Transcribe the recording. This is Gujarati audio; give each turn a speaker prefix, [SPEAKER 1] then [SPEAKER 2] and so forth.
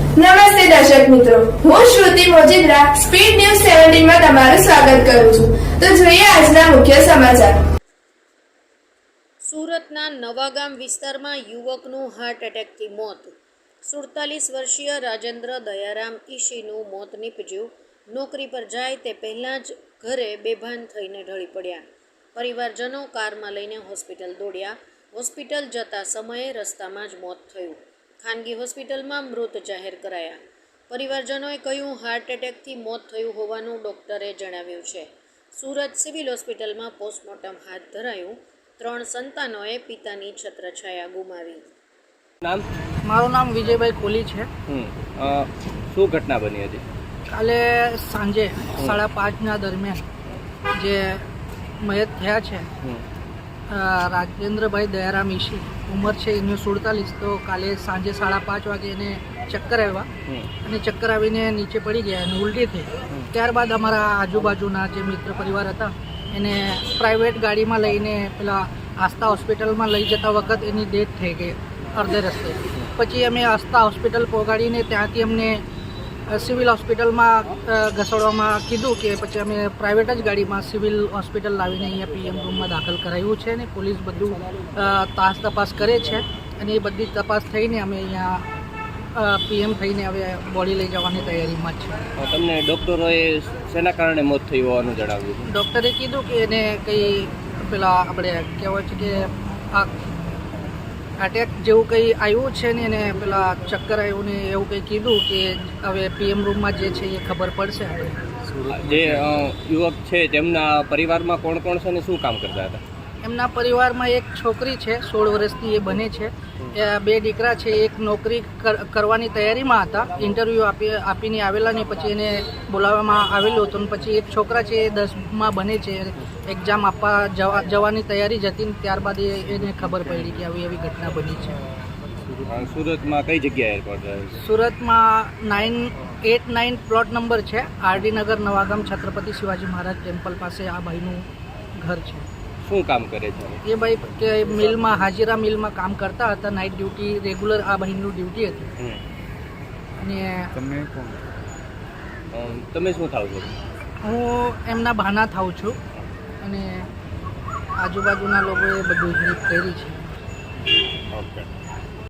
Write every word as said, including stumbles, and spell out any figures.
[SPEAKER 1] નમસ્તે દર્શક મિત્રો, હું શ્રુતિ મોજીદ્રા સ્પીડ ન્યૂઝ સત્તર માં તમારું સ્વાગત કરું છું. તો જોઈએ આજના મુખ્ય સમાચાર.
[SPEAKER 2] સુરતના નવાગામ વિસ્તારમાં યુવકનું હાર્ટ એટેકથી મોત. સુડતાલીસ વર્ષીય રાજેન્દ્ર દયારામ ઈશીનું મોત નીપજ્યું. નોકરી પર જાય તે પહેલાં જ ઘરે બેભાન થઈને ઢળી પડ્યા. પરિવારજનો કારમાં લઈને હોસ્પિટલ દોડ્યા. હોસ્પિટલ જતા સમયે રસ્તામાં જ મોત થયું. ખાનગી હોસ્પિટલમાં મૃત જાહેર કરાયા. પરિવારજનોએ કહ્યું હાર્ટ એટેકથી મોત થયું હોવાનું ડૉક્ટરે જણાવ્યું છે. સુરત સિવિલ હોસ્પિટલમાં પોસ્ટમોર્ટમ હાથ ધરાયું. ત્રણ સંતાનોએ પિતાની છત્રછાયા ગુમાવી.
[SPEAKER 3] નામ?
[SPEAKER 4] મારું નામ વિજયભાઈ કોલી છે.
[SPEAKER 3] શું ઘટના બની હતી?
[SPEAKER 4] કાલે સાંજે સાડા પાંચના દરમિયાન જે મયત થયા છે રાજેન્દ્રભાઈ દયારામ ઈશી, ઉંમર છે એની સુડતાલીસ. તો કાલે સાંજે સાડા પાંચ વાગે એને ચક્કર આવ્યા અને ચક્કર આવીને નીચે પડી ગયા અને ઉલટી થઈ. ત્યારબાદ અમારા આજુબાજુના જે મિત્ર પરિવાર હતા એને પ્રાઇવેટ ગાડીમાં લઈને પેલા આસ્થા હોસ્પિટલમાં લઈ જતા વખત એની ડેથ થઈ ગઈ અડધે રસ્તે. પછી અમે આસ્થા હોસ્પિટલ પહોંચાડીને ત્યાંથી અમને સિવિલ હોસ્પિટલમાં ઘસડવામાં કીધું કે પછી અમે પ્રાઇવેટ જ ગાડીમાં સિવિલ હોસ્પિટલ લાવીને અહીંયા પીએમ રૂમમાં દાખલ કરાવ્યું છે અને પોલીસ બધું તાસ તપાસ કરે છે અને એ બધી તપાસ થઈને અમે અહીંયા પીએમ થઈને હવે બોડી લઈ જવાની તૈયારીમાં જ છે.
[SPEAKER 3] તમને ડૉક્ટરોએ શેના કારણે મોત થયું હોવાનું જણાવ્યું?
[SPEAKER 4] ડૉક્ટરે કીધું કે એને કંઈ પેલા આપણે કહેવાય છે કે આ અટેક જેવું કંઈ આવ્યું છે ને એને પેલા ચક્કર આવ્યું ને એવું કંઈ કીધું કે હવે પીએમ રૂમમાં જે છે એ ખબર પડશે આપણે.
[SPEAKER 3] જે યુવક છે તેમના પરિવારમાં કોણ કોણ છે ને શું કામ કરતા હતા?
[SPEAKER 4] એમના પરિવારમાં એક છોકરી છે, સોળ વર્ષની એ બને છે. બે દીકરા છે, એક નોકરી કરવાની તૈયારીમાં હતા, ઇન્ટરવ્યૂ આપી આપીને આવેલા ને પછી એને બોલાવવામાં આવેલું હતું. પછી એક છોકરા છે એ દસમાં બને છે, એક્ઝામ આપવા જવા જવાની તૈયારી જ હતી ને ત્યારબાદ એને ખબર પડી કે આવી એવી ઘટના બની છે.
[SPEAKER 3] સુરતમાં કઈ જગ્યાએ એરપોર્ટ?
[SPEAKER 4] સુરતમાં nine eight nine plot number છે, આરડી નગર, નવાગામ, છત્રપતિ શિવાજી મહારાજ ટેમ્પલ પાસે આ ભાઈનું ઘર છે.
[SPEAKER 3] શું કામ કરે છે
[SPEAKER 4] એ ભાઈ કે મિલમાં, હાજીરા મિલમાં કામ કરતા હતા. નાઇટ ડ્યુટી રેગ્યુલર આ ભાઈનું ડ્યુટી હતી. અને
[SPEAKER 3] તમે તમે શું થાવ છો?
[SPEAKER 4] હું એમના ભાના થાઉં છું અને આજુબાજુના લોકોએ બધું હેલ્પ કરી છે.
[SPEAKER 3] ઓકે.